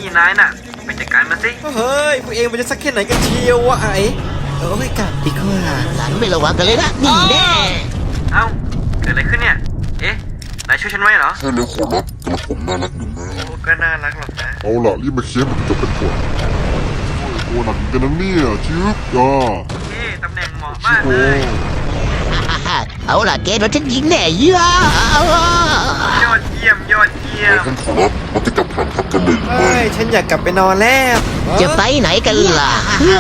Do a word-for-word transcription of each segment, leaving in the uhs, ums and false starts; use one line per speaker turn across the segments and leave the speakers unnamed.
นายน่ะไปจัดการมันสิเฮ้ยพวกเองมันจะสักแค่ไหนกันเชียววะไอ้เอ้ยกลับดีกว่า
หลังไม่ระวังกันเลยนะนี่แน่
เอ้าเกิดอะไรขึ้นเนี่ยเอ๊ะนายช่วยฉันไว้เหรอ
ใช่แล้วขอรับกระผมน่ารักอยู่นะ
โอ้ก็น่ารักหรอกนะ
เอาล่ะรีบมาเคลียร์มันจบเป็นผลโอ้หนักกันนะเนี่ยชึบจ้า
เอ๊ะตำแหน่งเหมาะมาก
โอ้
เลย
เอาล่ะเกณฑ์เราฉันยิงแน่เยอะ
ยอดเยี่ยมยอดเยี่ยม
ท่านขอรับมันจะกลับฐานทัพกันเลยหรือ
เฮ้
ไม่
ยฉันอยากกลับไปนอนแล้ว
จะไปไหนกันล่ะ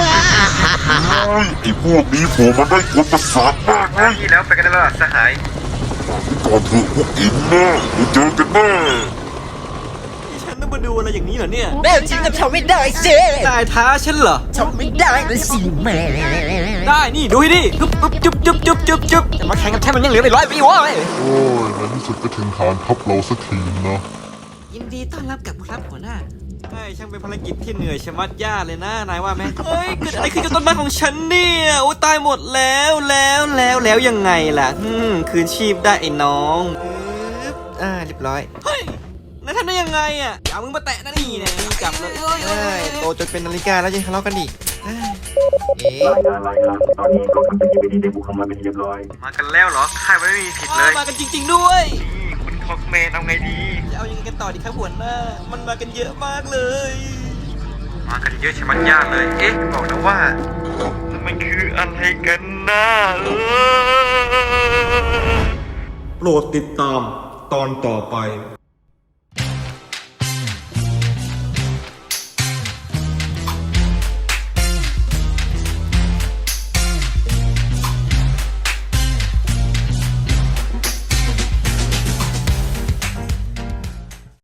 ไอ้พวกนี้โผล่มาได้กวนประสาทมากนะ
นี่แล้วไปกันแล้วสหาย
ก่อนเถอะพวกอินนะเดี๋ยวเจอกันแน่
ฉันต้องมาดูอะไรอย่างนี้เหรอเนี่ย
แม่จริงก็ทำไม่ได้สิ
นายท้าฉันเหรอ
ทำไม่ได้เลยสิแม่
ได้นี่ดูให้ดิจุ๊บจุ๊บจุ๊บจุ๊บจุ๊บจุ๊บจะมาแข่งกับฉันมันยังเหลืออีกร้อยปีวะ
โอ้ยในที่สุดก็ถึงฐานทัพเราสักทีนะ
ยินดีต้อนรับกับครับหัวหน้าใช่ช่างเป็นภารกิจที่เหนื่อยชะมัดยากเลยนะนายว่าไหมเฮ้ยเกิดอะไรขึ้นกับต้นไม้ของฉันเนี่ยโอ้ตายหมดแล้วแล้วแล้วแล้วยังไงล่ะอืมคืนชีพได้ไอ้น้องปึ๊บอ่าเรียบร้อยเฮ้ยนายทำได้ยังไงอ่ะอย่ามึงมาแตะนะนี่เนี่ยจับเลยเอ้ยเอ้ยโตจนเป็นนาฬิกาแล้วยังทะเลาะกันอีกเอ้ยเอ๊ะ
รายงานรายงานตอนนี้กองทัพเป็นยิปดีได้บุกเข้ามาเป็นที่เรียบร้อย
มากันแล้วเหรอค่ายไม่มีผิดเลยมากันจริง ๆด้วยนี่คุณคอกแมนเอาไงดีจะเอายังไงกันต่อดีครับหัวหน้ามันมากันเยอะมากเลย มากันเยอะใช่ไหมยากเลยเอ๊ะบอกนะว่ามันคืออะไรกันนะเออ
โปรดติดตามตอนต่อไป